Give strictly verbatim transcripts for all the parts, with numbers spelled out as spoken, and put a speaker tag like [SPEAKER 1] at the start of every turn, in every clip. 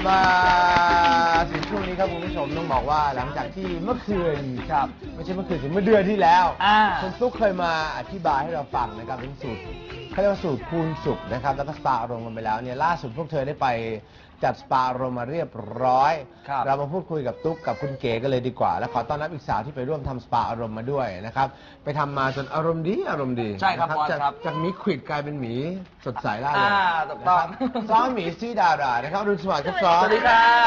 [SPEAKER 1] มาถึงช่วงนี้ครับคุณผู้ชมต้องบอกว่าหลังจากที่เมื่อคืนครับไม่ใช่เมื่อคืนถึงเมื่อเดือนที่แล้วคุณตุ๊กเคยมาอธิบายให้เราฟังนะครับเป็นสูตรเขาเรียกว่าสูตรคูณสุขนะครับแล้วก็สปาอารมณ์กันไปแล้วเนี่ยล่าสุดพวกเธอได้ไปจัดสปาอารมณ์มาเรียบร้อยเรามาพูดคุยกับตุ๊กกับคุณเก๋กันเลยดีกว่าและขอต้อนรับอีกสาวที่ไปร่วมทำสปาอารมณ์มาด้วยนะครับไปทำมาจนอารมณ์ดีอารมณ์ดี
[SPEAKER 2] ใช่ครับจาก
[SPEAKER 1] จากหมีขวิดกลายเป็นหมีสดใสล่าเริง
[SPEAKER 2] ถูกต้อง
[SPEAKER 1] ซ้อมหมีซีดารานะครับรุ่นสวัสดิ์ครับซ้อม
[SPEAKER 2] สวัสดีครับ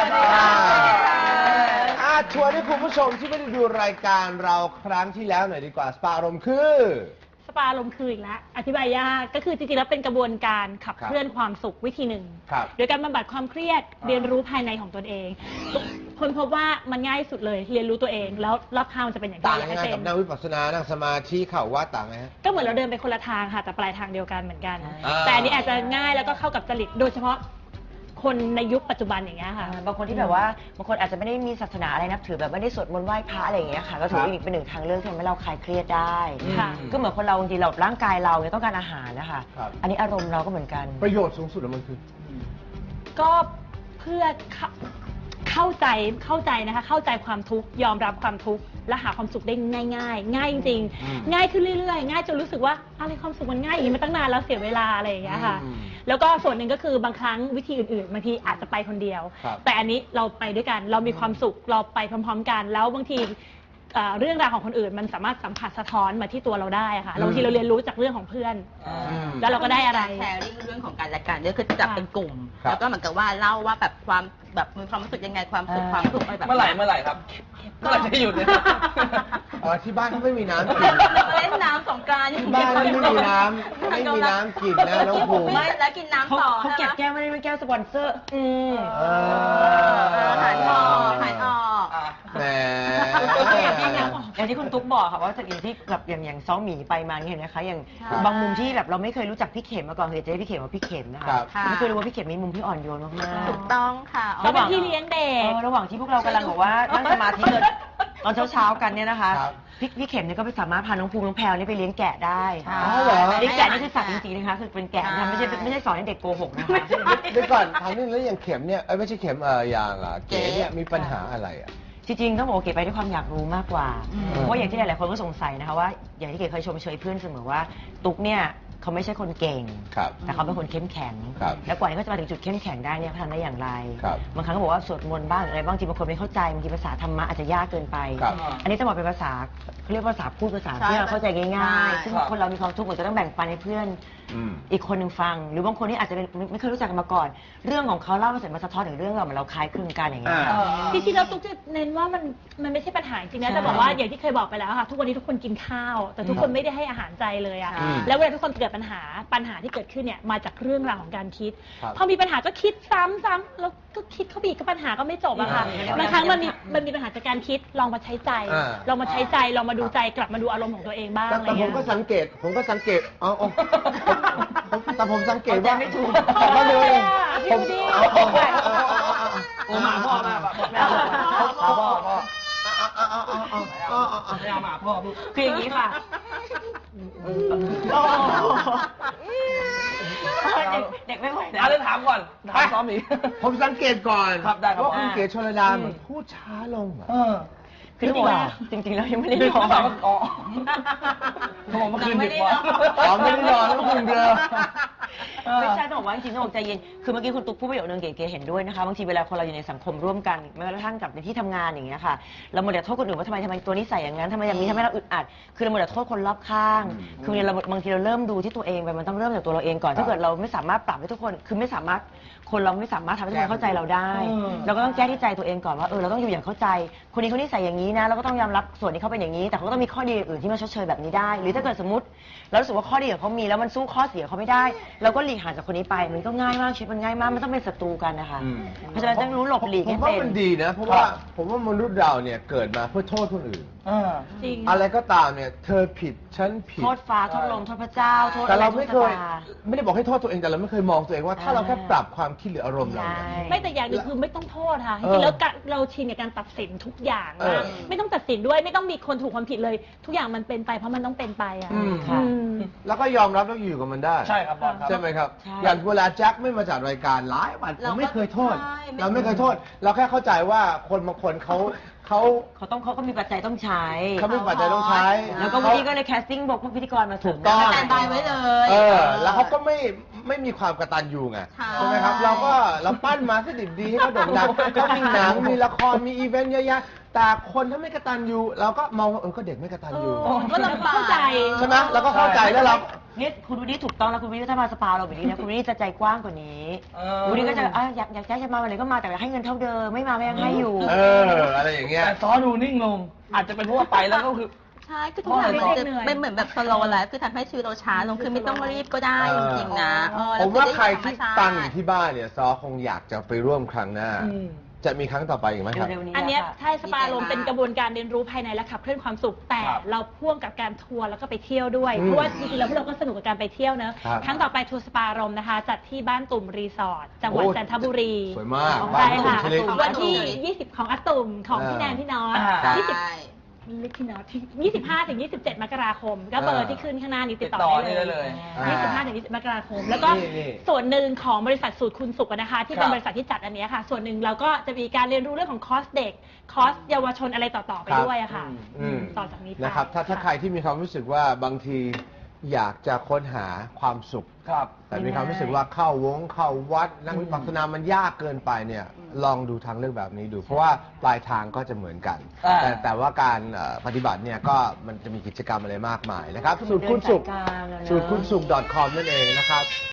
[SPEAKER 1] อาชวนให้คุณผู้ชมที่ไม่ได้ดูรายการเราครั้งที่แล้วหน่อยดีกว่าสปาอารมณ์คือ
[SPEAKER 3] สปาอารมณ์คืออีกแล้วอธิบายยากก็คือจริงๆแล้วเป็นกระบวนการขับเคลื่อนความสุขวิธีหนึ่งโดยการบำบัดความเครียดเรียนรู้ภายในของตนเองคนพบว่ามันง่ายสุดเลยเรียนรู้ตัวเองแล้วรอบข้างมันจะเป็นอย่างไร
[SPEAKER 1] ต่างยังไงกับนั่งวิปัสสนานั่งสมาธิเข่าว่าต่างไหมฮะ
[SPEAKER 3] ก็เหมือนเราเดินไปคนละทางค่ะแต่ปลายทางเดียวกันเหมือนกันแต่อันนี้อาจจะง่ายแล้วก็เข้ากับจริตโดยเฉพาะคนในยุคปัจจุบันอย่างเงี้ยค่ะ
[SPEAKER 4] บางคนที่แบบว่าบางคนอาจจะไม่ได้มีศาสนาอะไรนับถือแบบไม่ได้สวดมนต์ไหว้พระอะไรอย่างเงี้ยค่ะก็ถือว่าอีกเป็นหนึ่งทางเลือกที่ทำให้เราคลายเครียดได้ก็เหมือนคนเราบางทีเราร่างกายเราเนี่ยต้องการอาหารนะคะอันนี้อารมณ์เราก็เหมือนกัน
[SPEAKER 1] ประโยชน์สูงสุดของมันคือ
[SPEAKER 3] ก็เพื่อเข้าใจเข้าใจนะคะเข้าใจความทุกข์ยอมรับความทุกข์และหาความสุขได้ง่ายๆง่ายจริงๆง่ายขึ้นเรื่อยๆง่ายจนรู้สึกว่าอะไรความสุขมันง่ายอย่างนี้มาตั้งนานแล้วเสียเวลาอะไรอย่างเงี้ยค่ะแล้วก็ส่วนหนึ่งก็คือบางครั้งวิธีอื่นๆบางทีอาจจะไปคนเดียวแต่อันนี้เราไปด้วยกันเรามีความสุขเราไปพร้อมๆกันแล้วบางทีเรื่องราวของคนอื่นมันสามารถสัมผัสสะท้อนมาที่ตัวเราได้ค่ะบางทีเราเรียนรู้จากเรื่องของเพื่อนแล้วเราก็ได้อะไร
[SPEAKER 5] แชร์เรื่องของการจัดการเนี่ยคือจับเป็นกลุ่มแล้วก็เหมือนกับว่าเล่าว่าแบบความแบบมีความรู้สึกยังไงความสุขความทุกข์อะไรแบบ
[SPEAKER 2] เมื่อไหร่เมื่อไหร่ครับเมื่อไหร่จะหยุดเนี่ย
[SPEAKER 1] ที่บ้านเขาไม่มีน้ำกิน
[SPEAKER 5] เล่นน้ำสงกรานต์
[SPEAKER 1] ที่บ้านไม่มีน้ำไม่มีน้ำกินนะน้องภูมิ
[SPEAKER 5] ไม่แล้วกินน้ำต่อ
[SPEAKER 4] เขาเก็บแก้วไม่ได้เป็นแก้วสปอนเซอร์อืม
[SPEAKER 5] หายออกหายออก
[SPEAKER 1] แหม
[SPEAKER 4] อย่างที่คุณตุ๊กบอกค่ะว่าจากอย่างที่แบบอย่างอย่างซ้อมหมีไปมาเห็นไหมคะอย่างบางมุมที่แบบเราไม่เคยรู้จักพี่เข็มมาก่อนเคยจะได้พี่เข็มว่าพี่เข็มนะคะไม่เคยรู้ว่าพี่เข็มมีมุมที่อ่อนโยนมาก
[SPEAKER 5] ๆถูกต้องค่ะ
[SPEAKER 3] ระหว่างที่เลี้ยงเด็ก
[SPEAKER 4] ระหว่างที่พวกเรากำลังบอกว่านั่งสมาธิกันตอนเช้าๆกันเนี่ยนะคะพี่พี่เข็มเนี่ยก็ไปสามารถพาน้องภูมิน้องแพรวนี่ไปเลี้ยงแกะได้เลี้ยงแกะนี่คือสัตว์จริงๆนะคะคือเป็นแกะนะไม่ใช่ไม่ใช่สอนให้เด็กโกหกนะคะ
[SPEAKER 1] เดี๋ยวก่อนถามนิดนึงแล้วอย่างเข็มเนี่ยเอ้ยไม่ใช่เข็มเอออย่างเก๋เนี่ยมีปัญหาอะไรอ่ะ
[SPEAKER 4] จริงๆต้องบอกเก๋ไปด้วยความอยากรู้มากกว่าเพราะอย่างที่หลายๆคนก็สงสัยนะคะว่าอย่างที่เก๋เคยชมเชยเพื่อนเสมอว่าตุ๊กเนี่ยเขาไม่ใช่คนเก่งแต่เขาเป็นคนเข้มแข็งแล้วกว่าที่เขาจะมาถึงจุดเข้มแข็งได้เนี่ยเขาทำได้อย่างไรบางครั้งก็บอกว่าสวดมนต์บ้างอะไรบางทีบางคนไม่เข้าใจบางทีภาษาธรรมะอาจจะยากเกินไปอันนี้ต้องบอกเป็นภาษาเขาเรียกว่าภาษาพูดภาษาที่เราเข้าใจง่ายๆซึ่งคนเรามีความทุกข์เหมือนจะต้องแบ่งปันให้เพื่อนอีกคนหนึ่งฟังหรือบางคนที่อาจจะไม่เคยรู้จักกันมาก่อนเรื่องของเขาเล่ามาเสร็จมาสะท้อนถึงเรื่องเราเหมือนเราคล้ายคลึงกันอย่างเงี้ย
[SPEAKER 3] จริงๆเราตุ๊กจะเน้นว่ามันมันไม่ใช่ปัญหาจริงนะแต่บอกว่าอย่างที่เคยบอกไปแล้วค่ะทุกวันนี้ทุกคนกินข้าวแต่ทุกคนไม่ได้ให้อาหารใจเลยอะแล้วเวลาทุกคนเกิดปัญหาปัญหาที่เกิดขึ้นเนี่ยมาจากเรื่องราวของการคิดพอมีปัญหาก็คิดซ้ำๆแล้วก็คิดเข้าไปอีกก็ปัญหาก็ไม่จบอะค่ะบางครั้งมันมีมันมีปัญหาจากการคิดลองมาใช้ใจลองมาใช้ใจลองมาดูใจกลับมาดูอารมณ์ของตัวเองบ้าง
[SPEAKER 1] แต่ผมก็สังเกตผมก็สังเกตอ๋อแต่ผมสังเกตว่า
[SPEAKER 4] ไม่ถูก
[SPEAKER 1] มาเลยผม
[SPEAKER 2] โอ้หมาพ่อมาแบบแม่พ่อพ่อพ่อไม่เอาหมาพ่อ
[SPEAKER 4] คืออย่างนี้ค่ะเด็กไม่ไหว
[SPEAKER 2] เอาเรื่องถามก่อนถามซ้อมอีก
[SPEAKER 1] ผมสังเกตก่อน
[SPEAKER 2] ครับได้ครับ
[SPEAKER 1] ว่าคุณเก๋ชลดาเหมือนพูดช้าลงอ่ะ
[SPEAKER 4] คือจริงๆจริงๆแล้วยังไม่ได้นอน
[SPEAKER 2] อ๋อเขาบอกเมื่อคืนดึกว่า
[SPEAKER 1] อ๋อไม่ได้นอนแล้วคืนเดียว
[SPEAKER 4] ไม่ใช่ต้องบอกว่าจริงๆต้องบอกใจเย็นคือเมื่อกี้คุณตุ๊กพูดประโยคนึงเก๋ๆเห็นด้วยนะคะบางทีเวลาคนเราอยู่ในสังคมร่วมกันแม้กระทั่งกับในที่ทำงานอย่างเงี้ยค่ะเราโมเดลโทษคนอื่นว่าทำไมทำไมตัวนี้ใส่อย่างนั้นทำไมอย่างนี้ทำให้เราอึดอัดคือเราโมเดลโทษคนรอบข้างคือเราบางทีเราเริ่มดูที่ตัวเองไปมันต้องเริ่มจากตัวเราเองก่อนถ้าเกิดเราไม่สามารถปรับให้ทุกคนคือไม่สามารถคนเราไม่สามารถทำให้ทุกคนเข้าใจเราได้เราก็ต้องแก้ที่ใจตัวเองก่อนว่าเออเราต้องอยู่อย่างเข้าใจคนนี้คนนี้ใส่อย่างนี้นะเราก็ต้องยอมรับส่วนที่เขาเป็นอย่างนี้แต่เขาก็ต้องมีข้อดีอื่นที่มาชดเชยแบบนี้ได้หรือถ้าเกิดสมมติเรารู้สึกว่าข้อดีของเขามีแล้วมันสู้ข้อเสียเขาไม่ได้เราก็หลีกห่างจากคนนี้ไปมันก็ง่ายมากชีวิตมันง่ายมากไม่ต้องเป็นศัตรูกันนะคะเพราะฉะนั้นต้องรู้หลบหลีกให้เป็น
[SPEAKER 1] ผมว่ามันดีนะเพราะว่าผมว่ามนุษย์เราเนี่ยเกิดมาเพื่อโทษคนอื่น
[SPEAKER 2] เออ
[SPEAKER 3] จริง
[SPEAKER 1] อะไรก็ตามเนี่ย เธอผิดฉันผิด
[SPEAKER 4] โทษฟ้าโทษลมโทษพระเจ้าโทษ
[SPEAKER 1] แต่เรา
[SPEAKER 4] อะ
[SPEAKER 1] ไม่เคย
[SPEAKER 4] โทษชะตา
[SPEAKER 1] ไม่ได้บอกให้โทษตัวเองแต่เราไม่เคยมองตัวเองว่าถ้าเราแค่ปรับความคิดหรืออารมณ์เราเนี่ย
[SPEAKER 4] ใช่
[SPEAKER 3] ไม่แต่อย่างหนึงคือไม่ต้องโทษค่ะจ
[SPEAKER 1] เออ
[SPEAKER 3] ริงๆแล้วกะเราชินกับการตัดสินทุกอย่าง
[SPEAKER 1] เออ
[SPEAKER 3] นะไม่ต้องตัดสินด้วยไม่ต้องมีคนถูกคนผิดเลย ทุกอย่างมันเป็นไปเพราะมันต้องเป็นไปอ่ะ
[SPEAKER 1] อืม
[SPEAKER 3] อืม
[SPEAKER 1] แล้วก็ยอมรับแล้วอยู่กับมันได้
[SPEAKER 2] ใช่ครับบอลครับ
[SPEAKER 1] ใช่ไหมครับ
[SPEAKER 4] ใช่
[SPEAKER 1] อย่างเวลาแจ็คไม่มาจัดรายการหลายวันผมไม่เคยโทษ
[SPEAKER 5] ใช่ไม่
[SPEAKER 1] เราไม่เคยโทษ เราแค่เข้าใจว่าคนบางคนเขาเขา
[SPEAKER 4] เขาต้องเขาก็มีปัจจัยต้องใช้
[SPEAKER 1] เขาไม่ปัจจัยต้องใช้
[SPEAKER 4] แล้วก็วันนี้ก็เลยแคสติ้งบอกพวกพิธีกรมาเสริม
[SPEAKER 1] ถูกต้อง
[SPEAKER 5] สแตนบายไว้เลย
[SPEAKER 1] เออ แล้วเขาก็ไม่ไม่มีความกตัญญูไง
[SPEAKER 5] ใช่
[SPEAKER 1] ใช่ไหมครับ เราก็เราปั้นมาสดิบดีให้เขาโด่งดังก็มีหนังมีละครมีอีเวนต์เยอะแยะแต่คนถ้าไม่กตัญญูเราก็มองว่าเออก็เด็กไม่กตัญญู
[SPEAKER 3] เออก็ลำบากเข้าใจ
[SPEAKER 1] ใช่ไหมเราก็เข้าใจแล้วเรา
[SPEAKER 4] นี่คุณวินนี่ถูกต้องแล้วคุณวินนี่ถ้ามาสปาเราแบบนี้นะคุณวินนี่จะใจกว้างกว่านี้
[SPEAKER 2] เออ
[SPEAKER 4] คุณวินนี่ก็จะอ่ะอยากอยากจะมาวันไหนก็มาแต่ให้เงินเท่าเดิมไม่มาก็ยังให้อยู่
[SPEAKER 1] เอออะไรอย่างเงี้ย
[SPEAKER 2] แต่ซอดูนิ่งลง อาจจะเป็นเพราะว่าไปแล้วก็คือ
[SPEAKER 5] ใช่คือทุกอย่างมันจะ
[SPEAKER 3] เหนื่อย
[SPEAKER 5] เป็นเหมือนแบบสโลว์ไลฟ์คือทำให้ชีวิตเราช้าลงคือไม่ต้องรีบก็ได้จริงๆนะเออ
[SPEAKER 1] ผมว่าใคร
[SPEAKER 5] แล้
[SPEAKER 1] ที่
[SPEAKER 5] อได้
[SPEAKER 1] ตังอยู่ที่บ้านเนี่ยซอคงอยากจะไปร่วมครั้งหน้า
[SPEAKER 2] อืม
[SPEAKER 1] จะมีครั้งต่อไปอีกไหมครับ
[SPEAKER 4] เร็วๆนี้
[SPEAKER 3] อันเนี้ย
[SPEAKER 4] ค่ะ
[SPEAKER 3] ใช่สปาลมเป็นกระบวนการเรียนรู้ภายในและขับเคลื่อนความสุข แต่
[SPEAKER 2] ครับ
[SPEAKER 3] เราพ่วงกับการทัวร์แล้วก็ไปเที่ยวด้วย
[SPEAKER 1] อืม
[SPEAKER 3] เพราะว่าจริงๆแล้วพวกเราก็สนุกกับการไปเที่ยวเนอะ
[SPEAKER 1] ครับ
[SPEAKER 3] ครั้งต่อไปทัวร์สปาลมนะคะ จัดที่บ้านตุ่มรีสอร์ทจังหวัด
[SPEAKER 1] โอ้
[SPEAKER 3] จันทบุรี
[SPEAKER 1] สวยมากบ้า
[SPEAKER 3] ใช่
[SPEAKER 1] นตุ่ม
[SPEAKER 3] ค่ะ
[SPEAKER 1] ชลิด
[SPEAKER 3] วันที่ ยี่สิบ ของอาตุ่มของพี่
[SPEAKER 1] อ่า
[SPEAKER 3] แนนพี่น็อต
[SPEAKER 2] อ่า
[SPEAKER 3] ยี่สิบ
[SPEAKER 5] ใช่
[SPEAKER 3] เล็กพี่น็อตที่ยี่สิบห้าถึงยี่สิบเจ็ดมกราคม ก็เบอร์ที่ขึ้นข้างหน้านี้ติดต่อ
[SPEAKER 2] ติดต่อ
[SPEAKER 3] ได้
[SPEAKER 2] ได้
[SPEAKER 3] เล
[SPEAKER 2] เลย ย
[SPEAKER 1] อ่า
[SPEAKER 3] ยี่สิบห้าถึงยี่สิบมกราคม แล้วก็
[SPEAKER 1] นี่นี่
[SPEAKER 3] ส่วนหนึ่งของบริษัทสูตรคุณสุขอะนะคะ ที่เป็น
[SPEAKER 2] ครับ
[SPEAKER 3] บริษัทที่จัดอันเนี้ยค่ะ ส่วนหนึ่งเราก็จะมีการเรียนรู้เรื่องของคอร์สเด็ก คอร์สเยาวชนอะไรต่อๆไป
[SPEAKER 1] ครับ
[SPEAKER 3] ด้วยอะค่ะ
[SPEAKER 1] อืม
[SPEAKER 3] ต่อจากนี้ไป
[SPEAKER 1] นะครับถ้าถ้าใครที่มีความรู้สึกว่าบางทีอยากจะค้นหาความสุข
[SPEAKER 2] ครับ
[SPEAKER 1] แต่มีความรู้สึกว่าเข้าวงเข้าวัดนั่งวิปัสสนามันยากเกินไปเนี่ยลองดูทางเลือกแบบนี้ดู เพราะว่าปลายทางก็จะเหมือนกัน
[SPEAKER 2] อ่า
[SPEAKER 1] แต่แต่ว่าการเอ่อปฏิบัติเนี่ยก็มันจะมีกิจกรรมอะไรมากมายนะครับสูตรคุณสุข
[SPEAKER 4] เดินสายกลางอะเนอะ
[SPEAKER 1] สูตรคุณสุข .com นั่นเองนะครับ